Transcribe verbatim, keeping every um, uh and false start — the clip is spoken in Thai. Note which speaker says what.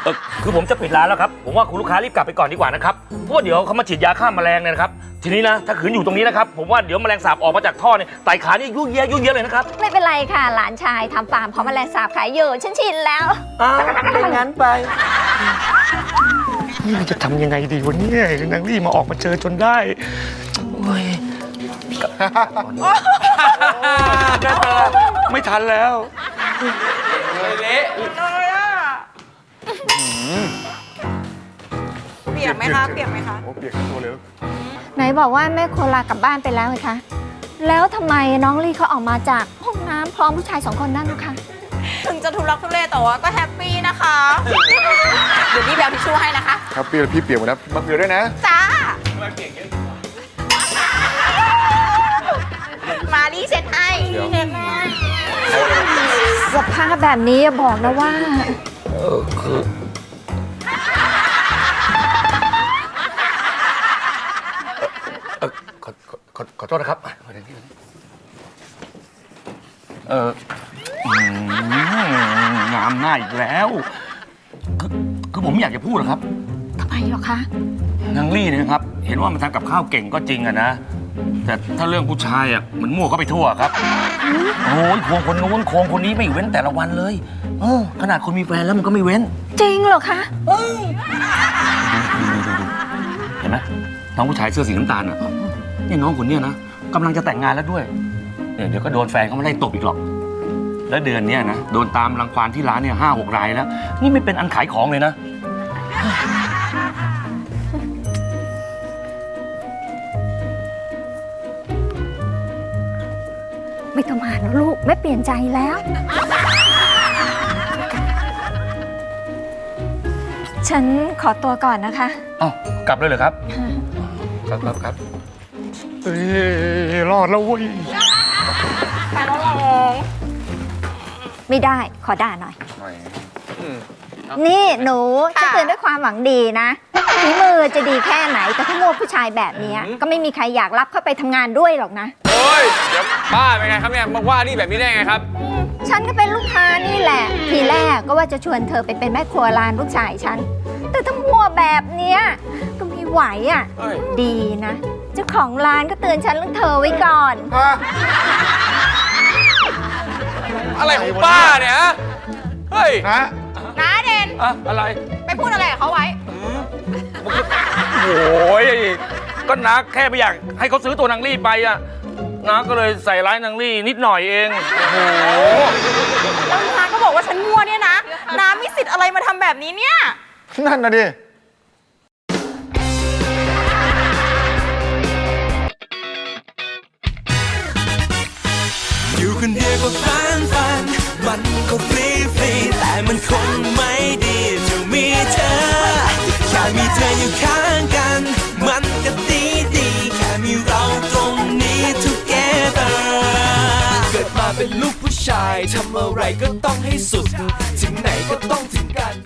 Speaker 1: เออคือผมจะปิดร้านแล้วครับผมว่าคุณลูกค้ารีบกลับไปก่อนดีกว่านะครับเพราะว่าเดี๋ยวเขามาฉีดยาฆ่าแมลงเนี่ยนะครับทีนี้นะถ้าขืนอยู่ตรงนี้นะครับผมว่าเดี๋ยวแมลงสาบออกมาจากท่อเนี่ยไต่ขานี่ยุ่งเยอะยุ่งเยอะเลยนะครับ
Speaker 2: ไม่เป็นไรค่ะหลานชายทำฟาร์มเพราะแมลงสาบขายอยู่ฉันชินแล้ว
Speaker 1: อ้าวเป็นงั้นไปนี่จะทำยังไงดีวันนี้นางรี่มาออกมาเจอจนได้โอ้ยไม่ทันแล้ว
Speaker 3: เละเลยอ่ะเปียกไหมคะเปียกไหมคะ
Speaker 4: โอ้เปียกทั้งตัวเลย
Speaker 2: ไหนบอกว่าแม่โคลากลับบ้านไปแล้วไงคะแล้วทำไมน้องลี่เขาออกมาจากห้องน้ำพร้อมผู้ชายสองคนนั่นนะคะ
Speaker 3: ถึงจะทุลักทุเลแต่ว่าก็แฮปปี้นะคะเดี๋ยวพี่แบลทิชชู่ให้นะคะ
Speaker 4: แฮปปี้แล้วพี่เปียกหมดนะมาเปียกด้วยนะ
Speaker 3: จ้ามาเปียกเยอะมารีเซ็ตให้เห็นไหม
Speaker 2: สภาพแบบนี้บอกนะว่า
Speaker 1: เออคือเออขอขอขอโทษนะครับเอองามหน้าอีกแล้วคือคือผมอยากจะพูดนะครับ
Speaker 2: ทำไมหรอคะ
Speaker 1: นางลี่เนี่ยนะครับเห็นว่ามันทำกับข้าวเก่งก็จริงอะนะแต่ถ้าเรื่องผู้ชายอะเหมือนมั่วเข้าไปทั่วครับโอ้ยควงคนนู้นควงคนนี้ไม่เว้นแต่ละวันเลยเออขนาดคนมีแฟนแล้วมันก็ไม่เว้น
Speaker 2: จริงเหรอคะ
Speaker 1: ดูดูดูดูเห็นไหมน้องผู้ชายเสื้อสีน้ำตาลอะนี่น้องคนเนี้ยนะกำลังจะแต่งงานแล้วด้วยเนี่ยเดี๋ยวก็โดนแฟนเขาไม่ได้ตบอีกหรอกแล้วเดือนนี้นะโดนตามรังควานที่ร้านเนี่ยห้าหกรายแล้วนี่ไม่เป็นอันขายของเลยนะ
Speaker 2: ไม่ต้องมาแล้วลูกไม่เปลี่ยนใจแล้วฉันขอตัวก่อนนะคะ
Speaker 1: อ้าวกลับเลยเหรอครับครับครับครับเฮ้ยรอดแล้วเว้ย
Speaker 3: ไปแล้วหรอ
Speaker 2: ไม่ได้ขอด่าหน่อยนี่หนูจะเตือนด้วยความหวังดีนะฝีมือจะดีแค่ไหนแต่ถ้าโง่ผู้ชายแบบนี้ก็ไม่มีใครอยากรับเข้าไปทำงานด้วยหรอกนะ
Speaker 5: โอ้ยเดี๋ยวป้าเป็นไงครับเนี่ยมาว่านี่แบบนี้ได้ไงครับ
Speaker 2: ฉันก็เป็นลูกค้านี่แหละทีแรกก็ว่าจะชวนเธอไปเป็นแม่ครัวร้านลูกชายฉันแต่ถ้ามัวแบบเนี้ยก็ไม่ไหวอ่ะดีนะเจ้าของร้านก็เตือนฉันเรื่องเธอไว้ก่อน
Speaker 5: อะไรของป้าเนี่ยเฮ้ย
Speaker 4: นะ
Speaker 3: น้าเด่น
Speaker 5: อะอะไร
Speaker 3: ไปพูดอะไรกับเขาไว้
Speaker 1: โอ้ยก็นักแค่ไม่อยากให้เขาซื้อตัวนางลี่ไปอะนักก็เลยใส่ร้ายนางลี่นิดหน่อยเองโอ้โห
Speaker 3: แล้วน้าก็บอกว่าฉันมั่วเนี่ยนะน้ามีสิทธิ์อะไรมาทำแบบนี้เนี่ย
Speaker 4: นั่นนะดิ
Speaker 6: อยู่คนเดียวก็ฟันฟันมันก็ฟรีฟรีแต่มันคงไม่ดีจะมีเธอแค่มีเธออยู่ข้างกันมันก็ดีดีแค่มีเราตรงนี้ together เกิดมาเป็นลูกผู้ชายทำอะไรก็ต้องให้สุดถึงไหนก็ต้องถึงกัน